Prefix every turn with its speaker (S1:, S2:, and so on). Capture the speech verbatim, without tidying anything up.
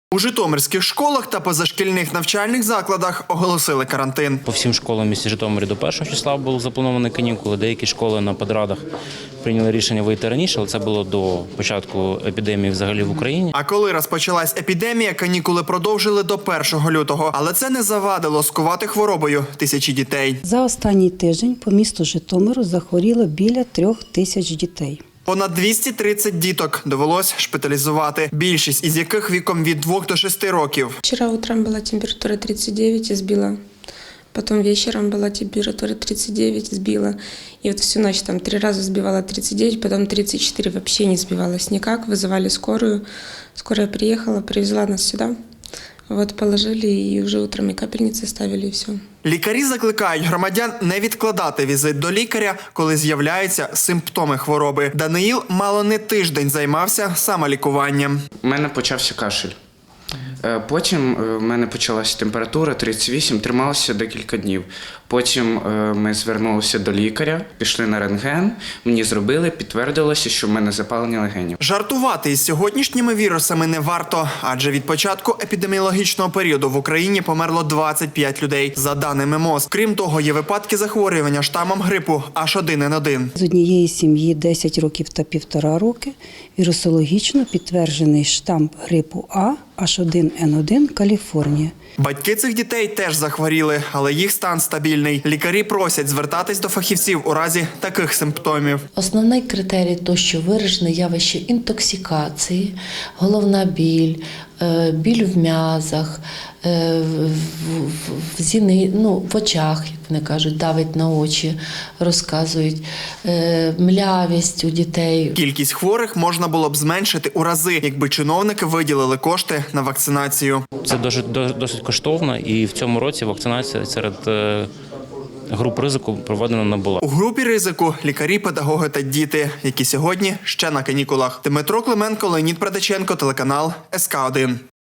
S1: У житомирських школах та позашкільних навчальних закладах оголосили карантин.
S2: По всім школам в місті Житомирі до першого числа були заплановані канікули. Деякі школи на подрадах прийняли рішення вийти раніше, але це було до початку епідемії взагалі в Україні.
S1: А коли розпочалась епідемія, канікули продовжили до першого лютого. Але це не завадило скувати хворобою тисячі дітей.
S3: За останній тиждень по місту Житомиру захворіло біля трьох тисяч дітей.
S1: Понад двісті тридцять діток довелось шпиталізувати, більшість із яких віком від двох до шести років.
S4: Вчера утром была температура тридцать девять и сбила. Потом вечером была температура тридцать девять, сбила. И вот всю ночь там три раза сбивала тридцать девять, потом тридцать четыре, вообще не сбивалась никак. Вызывали скорую. Скорая приехала, привезла нас сюда. Вот положили и уже утром и капельницы ставили, и все.
S1: Лікарі закликають громадян не відкладати візит до лікаря, коли з'являються симптоми хвороби. Даниїл мало не тиждень займався самолікуванням.
S5: У мене почався кашель. Потім в мене почалася температура тридцять вісім, трималася декілька днів. Потім ми звернулися до лікаря, пішли на рентген, мені зробили, підтвердилося, що в мене запалення легенів.
S1: Жартувати із сьогоднішніми вірусами не варто, адже від початку епідеміологічного періоду в Україні померло двадцять п'ять людей, за даними МОЗ. Крім того, є випадки захворювання штамом грипу аш один ен один.
S3: З однієї сім'ї десять років та півтора роки вірусологічно підтверджений штам грипу А аш один ен один Каліфорнія.
S1: Батьки цих дітей теж захворіли, але їх стан стабільний. Лікарі просять звертатись до фахівців у разі таких симптомів.
S6: Основний критерій – то, що виражене явище інтоксикації, головна біль, біль в м'язах, в зіни, ну, в очах, як вони кажуть, давить на очі, розказують, млявість у дітей.
S1: Кількість хворих можна було б зменшити у рази, якби чиновники виділили кошти на вакцинацію.
S2: Це досить, досить коштовно, і в цьому році вакцинація серед груп ризику проведена не була.
S1: У групі ризику – лікарі, педагоги та діти, які сьогодні ще на канікулах. Дмитро Клименко, Леонід Предаченко, телеканал ес ка один.